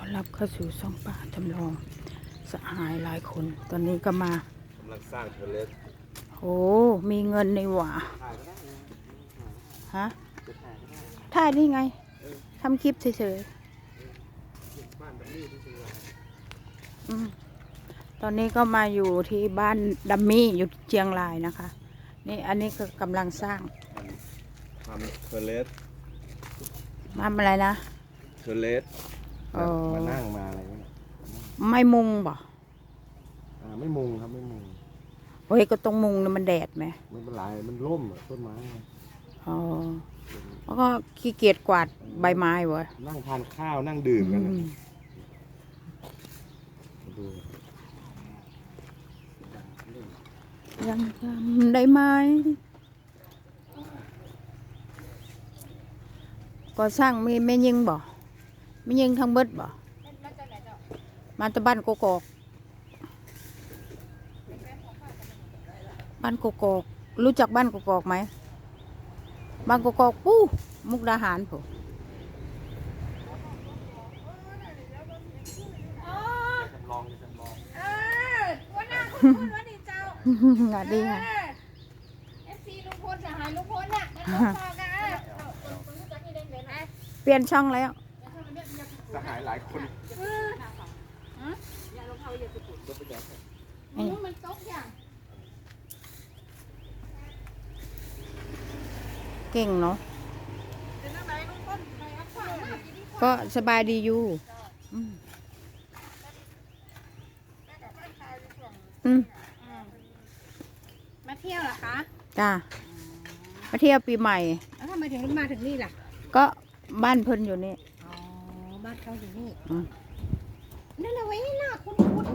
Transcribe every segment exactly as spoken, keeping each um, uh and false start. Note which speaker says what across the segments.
Speaker 1: อนรับเข้าสู่ช่องป่าจำลองสหายหลายคนตอนนี้ก็มาก
Speaker 2: ำลังสร้างเทเลส
Speaker 1: โอ้มีเงินในหว่าฮะถ่ายนี่ไงทำคลิปเฉยๆอืมตอนนี้ก็มาอยู่ที่บ้านดัมมี่อยู่เชียงรายนะคะนี่อันนี้ก็กำลังสร้าง
Speaker 2: ทำเทเลส
Speaker 1: ทำอะไรนะ
Speaker 2: เทเลสมานั่งมาอะไรเนี่ย
Speaker 1: ไม่มุงบ่
Speaker 2: อ่าไม่มุงครับไม่มุง
Speaker 1: เฮ้ยก็ต้องมุงนะมันแดดไหม
Speaker 2: ไม่เป็นไรมันร่มอ่ะต้นไม้
Speaker 1: อ๋อแล้วก็ขี้เกียจกวาดใบไม้วะ
Speaker 2: นั่งทานข้าวนั่งดื่มกันดู
Speaker 1: ยังจำได้ไหมก่อสร้างมีแม่ยิงบ่แม่ยิงทั้งเบิดบ่มาจากบ้านกกอกบ้านกกอกรู้จักบ้านกกอกไหมบ้านกกอกปู้มุกดาหารผม
Speaker 2: จำลองจำลอง
Speaker 3: เออวันหน้าคุณคุณวันนี้เจ้า
Speaker 1: งานดีค่ะ
Speaker 3: เอฟซีลุงพลสหายลุงพลน่ะมันต้องพอกัน
Speaker 1: เปลี่ยนช่องแล้ว
Speaker 2: สหายหลายคน
Speaker 3: มันตกอย่าง
Speaker 1: เก่งเนาะก็สบายดีอยู่อืม
Speaker 3: มาเที่ยวเหรอคะ
Speaker 1: จ้ามาเที่ยวปีใหม่
Speaker 3: แล้วทำไมถึงมาถึงนี่ล่ะ
Speaker 1: ก็บ้านเพิ่นอยู่นี่
Speaker 3: อ๋อบ้านเขาอยู่นี่นั่นเอาไว้หน้าคุณคุณ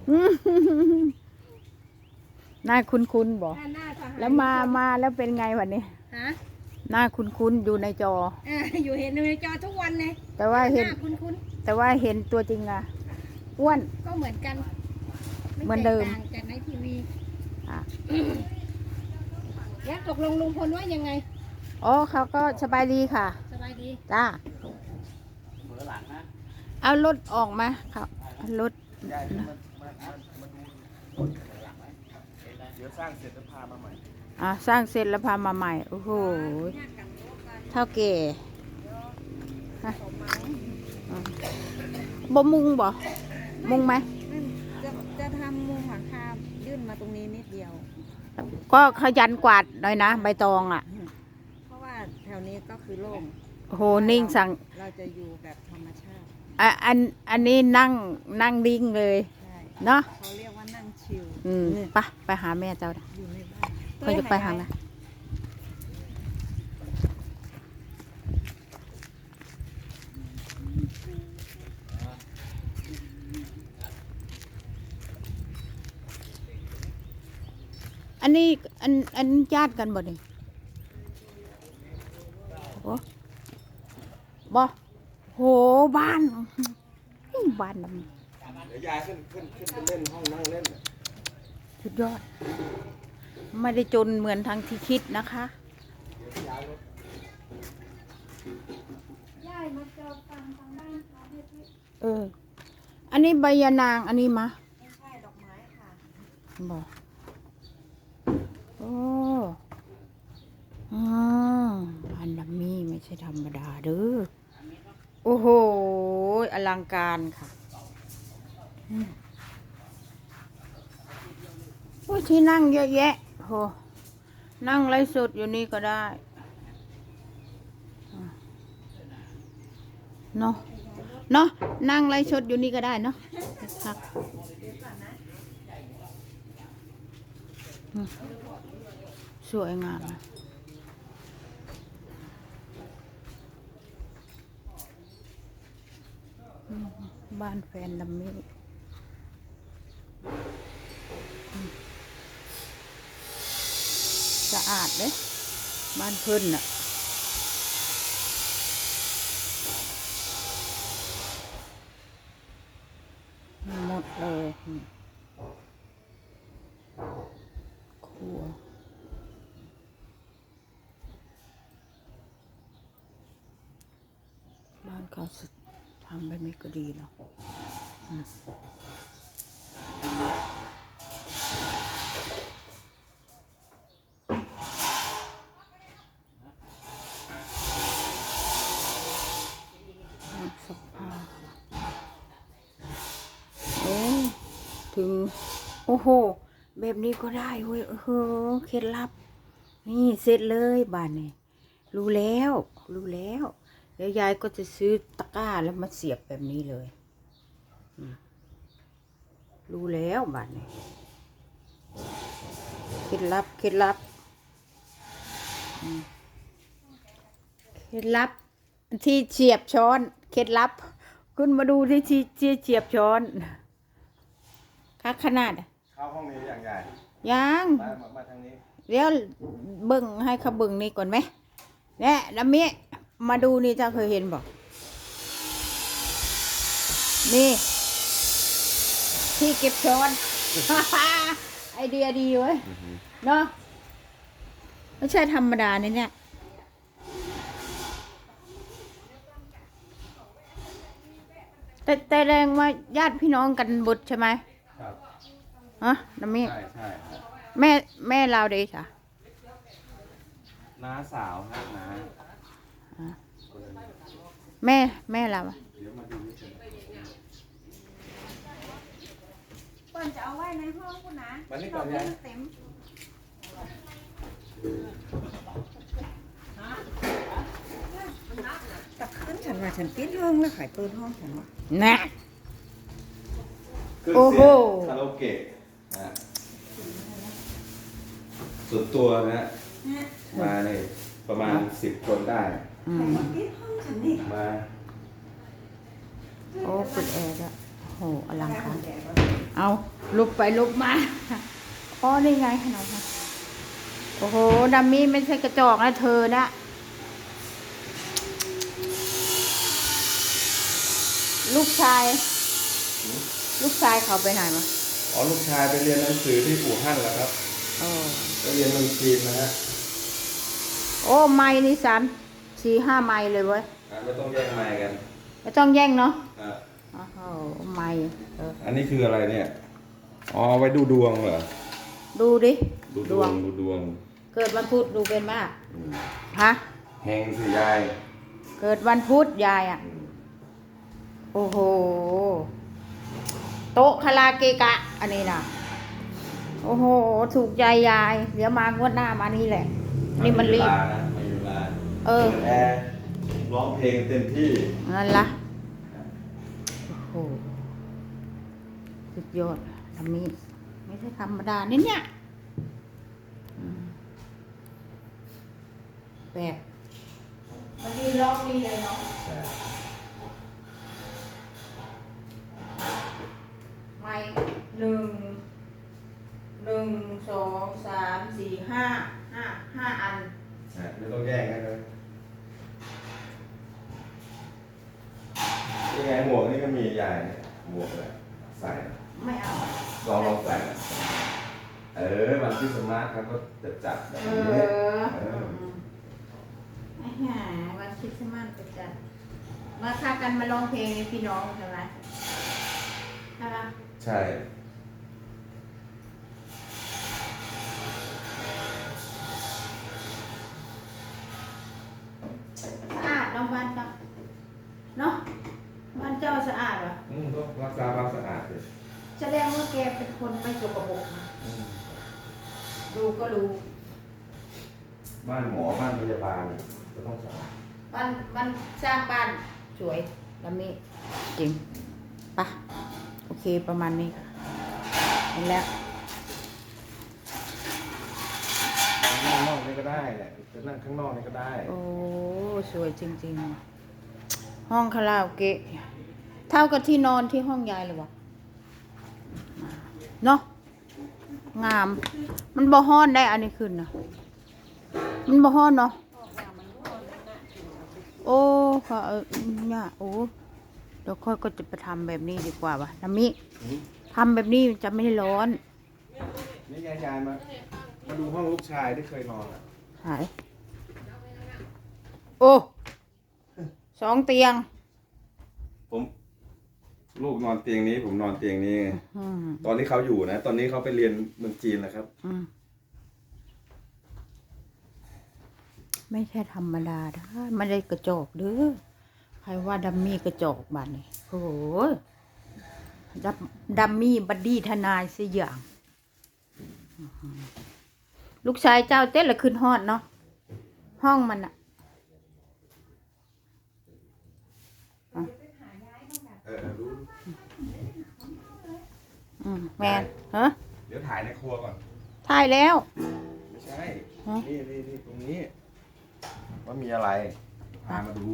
Speaker 1: หน้าคุ้นคุ้นบอกแล้วมามาแล้วเป็นไงวันนี้
Speaker 3: ฮะ
Speaker 1: หน้าคุ้นคุ้นอยู่ในจอ
Speaker 3: อยู่เห็นในจอทุกวันเลย
Speaker 1: แต่ว่าเห็น
Speaker 3: คุ้นคุ้น
Speaker 1: แต่ว่าเห็นตัวจริงอะอ้วน
Speaker 3: ก็เหมือนกัน
Speaker 1: เหมือนเดิม
Speaker 3: จากในทีวีแล้วตกลงลุงพลว่ายังไง
Speaker 1: อ๋อเขาก็สบายดีค่ะ
Speaker 3: สบายดี
Speaker 1: จ้าเอารถออกมาครับรถ
Speaker 2: เดี๋ยวสร้างเสร็จแล้วพามาใหม่
Speaker 1: อ่าสร้างเสร็จแล้วพามาใหม่โอ้โหเท่าแก่บ่มุงบ่มุงไหม
Speaker 3: จะจะทำมุงหลังคายื่นมาตรงนี้นิดเดียว
Speaker 1: ก็ขยันกวาดหน่อยนะใบตองอ่ะ
Speaker 3: เพราะว่าแถวนี้ก็คือโล่ง
Speaker 1: โหนิ่งสั่ง
Speaker 3: เราจะอยู่แบบธรรมชาติ
Speaker 1: อ่ะอันอันนี้นั่งนั่งดิ้งเลยเนาะ
Speaker 3: เขาเรียกว่านั่งชิล
Speaker 1: อืมไปไปหาแม่เจ้า
Speaker 3: อยู่ในบ้าน
Speaker 1: เขาจะไปหาแม่อันนี้อันอันญาติกันบ่นี่โอ้บ่โหบ้านบ้าน
Speaker 2: เดี๋ยวยายขึ้นขึ้นขึ้นไปเล่นห้องนั่งเล่น
Speaker 1: สุดยอดไม่ได้จนเหมือนทางที่คิดนะคะเอออันนี้ใบยานางอันนี้มะ
Speaker 3: ไม่ใช่ดอกไม้ค่ะ
Speaker 1: บอกโอ้อ๋ออันดัมมี่ไม่ใช่ธรรมดาเด้อโอ้โหอลังการค่ะโอ้ที่นั่งเยอะแยะโหนั่งไลฟ์สดอยู่นี่ก็ได้เนาะเนาะนั่งไลฟ์สดอยู่นี่ก็ได้เนาะครับสวยงามบ้านแฟนดัมมี่สะอาดเลยบ้านเพิ่นน่ะหมดเลยครัวบ้านเขาทำแบบนี้ก็ดีเนาะอืมสภาพเอ้ยถึง โอ้โห แบบนี้ก็ได้เว้ยเออเคล็ดลับ นี่เสร็จเลยบ้านนี่รู้แล้ว รู้แล้วแล้วยายก็จะซื้อตะกร้าแล้วมาเสียบแบบนี้เลยอืมรู้แล้วบ้านนี่เคล็ดลับเคล็ดลับอืมเคล็ดลับ ที่เฉียบช้อนเคล็ดลับคุณมาดูที่ที่ที่เฉียบช้อนค่าขนาด
Speaker 2: เข้าห้องนี้อย่างใหญ่
Speaker 1: ยัง
Speaker 2: มามามาทางนี้
Speaker 1: เดี๋ยวเบิ่งให้เขาเบิ่งนี่ก่อนไหมเนี่ยน้ำมิมาดูนี่เจ้าเคยเห็นบอกนี่ ที่เก็บช้อน ไอเดียดีเว้ยเนาะไม่ใช่ธรรมดาเนี่ยเนี่ยแต่แต่แรงว่าญาติพี่น้องกันบุตรใช่ไหม
Speaker 2: ครับ
Speaker 1: ฮะน้ำมิ
Speaker 2: ใช่ใช่ครับ
Speaker 1: แม่แม่เราเด้จ้ะ
Speaker 2: น้าสาวฮะน้า
Speaker 1: แม่แม่เราอะ
Speaker 2: เดี๋ยวมาดูนี่กัน
Speaker 3: เปิ้นจะเอาไว้ในห้องคุณนะ
Speaker 2: วันนี้ก่อนยาย
Speaker 3: เต็ม
Speaker 4: ตักขึ้นฉันว่าฉันปิดห้องแล้วขายเปิดห้องฉันว่า
Speaker 1: น่ะ
Speaker 2: เครื่อง
Speaker 1: โอ้โห
Speaker 2: เสียงคาราโอเกะนะสุดตัวนะฮะมาเนี่ยประมาณสิบคนได้
Speaker 1: อืม
Speaker 4: ปิดห้องฉันนี่
Speaker 2: มา
Speaker 1: โอ้เปิดแอร์ด้วยโหอลังการเอาลุกไปลุกมาอ๋อนี่ไงขนาดนั้นโอ้โหดัมมี่ไม่ใช่กระจอกนะเธอนะลูกชาย ลูกชายเขาไปไหนมา
Speaker 2: อ๋อลูกชายไปเรียนหนังสือที่อู่ฮั่นแล้วครับ
Speaker 1: โอ้
Speaker 2: ไปเรียนเมืองจีนนะฮะ
Speaker 1: โอ้ไม้นี่สามสี่ห้าไม้เลยเว้ย
Speaker 2: อ่ะไม่ต้องแย่งไมค์กัน
Speaker 1: ไม่ต้องแย่งเนาะ
Speaker 2: อ่ะ
Speaker 1: โอ้โหไม้เออ
Speaker 2: อันนี้คืออะไรเนี่ยอ๋อเอาไว้ดูดวงเหรอ
Speaker 1: ดูดิ
Speaker 2: ดูดวงดูดวง
Speaker 1: เกิดวันพุธดูเป็นมาก
Speaker 2: อืม
Speaker 1: ฮะ
Speaker 2: แหงสิยาย
Speaker 1: เกิดวันพุธยายอ่ะ โอ้โห โต๊ะคาราเกะกะ อันนี้นะโอ้โห ถูกใจยาย เดี๋ยวมางวดหน้ามานี่แหละ นี่มันรีบ
Speaker 2: ไเวลานะไม่มีเวลา
Speaker 1: เออ
Speaker 2: ปิดแอร์ร้องเพลงเต็มที่
Speaker 1: นั่นละโอ้โห สุดยอดทำนี้ไม่ใช่ธรรมดานี่เนี่ยอืมแบบมันดีร้องดีเลยเนาะ
Speaker 2: ใช่
Speaker 1: ไม่หนึ่งหนึ่งสองสามสี่ห้าห้าห้าอัน
Speaker 2: ใช่ไม่ต้องแย่งกันเลยยังไงหมวกนี่ก็มียายเนี่ยหมวกเลยใส่
Speaker 1: ไม่เอา
Speaker 2: ลองลองใส่นะเออวันที่สมาร์ทครับก็จะจัดแบบ
Speaker 1: เอ
Speaker 2: นี้
Speaker 1: อ
Speaker 2: เออ
Speaker 1: ไอ้ห่าวันคริสต์มาสประจันมาค่ากันมาร้องเพลงให้พี่น้องใช่ไหมใช่ปะ
Speaker 2: ใช่
Speaker 1: สะอาดเนาะบ้านเจ้าเนาะบ้านเจ้าสะอาดเหรอ
Speaker 2: อืมต้องรักษาความสะอาดเลย
Speaker 1: แสดงว่าแกเป็นคนไม่สกปรกนะ
Speaker 2: อืม
Speaker 1: ดูก็รู้
Speaker 2: บ้านหมอบ้านพยาบาลก็ต้องสะอาด
Speaker 1: บ้านบ้านสร้างบ้านสวยแล้วมีจริงปะโอเคประมาณนี้ค่ะเห็นแล้ว
Speaker 2: นั่งข้างนอกนี่ก็ได้แหละจะนั่งข้างนอกนี่ก็ได้
Speaker 1: โอ้สวยจริงๆ ห้องคาราโอเกะเท่ากับที่นอนที่ห้องยายเลยวะเนาะงาม มันบ่ฮ้อนได้อันนี้ขึ้นนะมันบ่ฮ้อนเนาะโอ้ค่ะเออเนี่ยโอ้เดี๋ยวค่อยก็จะไปทำแบบนี้ดีกว่าวะน้ำมิ
Speaker 2: อืม
Speaker 1: ทำแบบนี้จะไม่ร้อน
Speaker 2: นี่ยายยายมา มาดูห้องลูกชายที่เคยนอนอ่ะ
Speaker 1: หายโอ้สองเตียง
Speaker 2: ผมลูกนอนเตียงนี้ ผมนอนเตียงนี้
Speaker 1: อืม
Speaker 2: ตอนนี้เขาอยู่นะ ตอนนี้เขาไปเรียนเมืองจีนแล้วครับ
Speaker 1: อืมไม่ใช่ธรรมดาได้ไม่ได้กระจอกเด้อใครว่าดัมมี่กระจอกบัดนี่โอ้โหดัมดัมมี่บัดดี้ทนายสิอย่างอื้อหือลูกชายเจ้าเต้นละขึ้นฮอดเนาะห้องมันอะ
Speaker 2: เออรู้
Speaker 1: อืมแมนฮะ
Speaker 2: เดี๋ยวถ่ายในครัวก่อน
Speaker 1: ถ่ายแล้ว
Speaker 2: ไม่ใช่
Speaker 1: ฮะ
Speaker 2: นี่นี่นี่ตรงนี้ ว่ามีอะไร พามาดู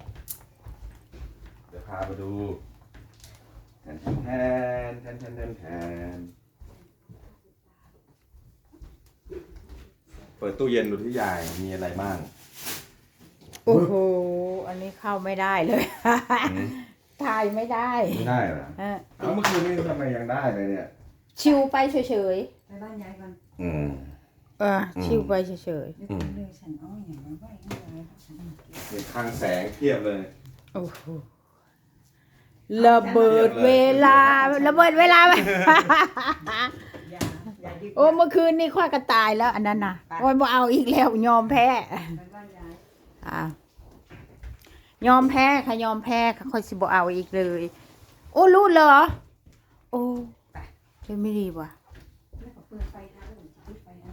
Speaker 2: เดี๋ยวพามาดูแทนแทนแทนแทนแทนแทนเปิดตู้เย็นดูที่ยายมีอะไรบ้าง
Speaker 1: โอ้โหอันนี้เข้าไม่ได้เลย
Speaker 2: อืม
Speaker 1: ถ่ายไม่ได้
Speaker 2: ไม่ได้เหรอ
Speaker 1: เออ
Speaker 2: เอาเมื่อคืนนี้ทำไมยังได้เลยเนี่ย
Speaker 1: ชิวไปเฉย
Speaker 4: ไปบ้านยายก่อน
Speaker 2: อืม
Speaker 1: ๆเออชิวไปเฉย
Speaker 4: เดี๋ยวเลยฉันเอาอย่างมาไว้ให้ยายครับฉันเอาเก็บ
Speaker 2: เห็นคลังแสงเทียบเลย
Speaker 1: ๆโอ้โหระเบิดเวลาระเบิดเวลา
Speaker 4: ยายยายดึก
Speaker 1: โอ้เมื่อคืนนี่ค่อยก็ตายแล้ว อันนั้นน่ะโอ้ยบ่เอาอีกแล้วยอมแพ้
Speaker 4: ไปบ้านยาย
Speaker 1: อ่ายอมแพ้ค่ะยอมแพ้ค่ะค่อยสิบ่เอาอีกเลย โอ้รู้เหรอ โอ้เจะไม่ดีว่ะ
Speaker 4: แล้วก็เปิดไฟทางอื่นปิดไฟนะ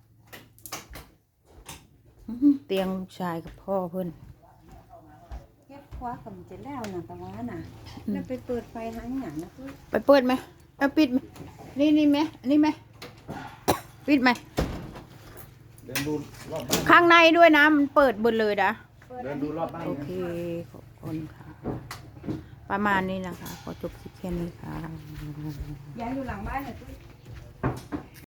Speaker 1: อื้อหือเตียงลูกชายกับพ่อเพิ่น
Speaker 4: เก็บคว้ากับมันจะแล้วน่ะแต่ว่าน่ะแล้วไปเปิดไฟทางหยังนะคือ
Speaker 1: ไปเปิดไหมเอาปิดไหมนี่นี่ไหมอันนี้ไหม ปิดไหม
Speaker 2: เดินดูรอบบ้าน
Speaker 1: ข้างในด้วยนะมันเปิดหมดเลยนะ
Speaker 2: เดินดูรอบบ้าน
Speaker 1: โอเคขอบคุณค่ะ ประมาณนี้นะคะขอจบคลิปแค่นี้ค่ะ
Speaker 4: ยายอยู่หลังบ้านน่ะคือ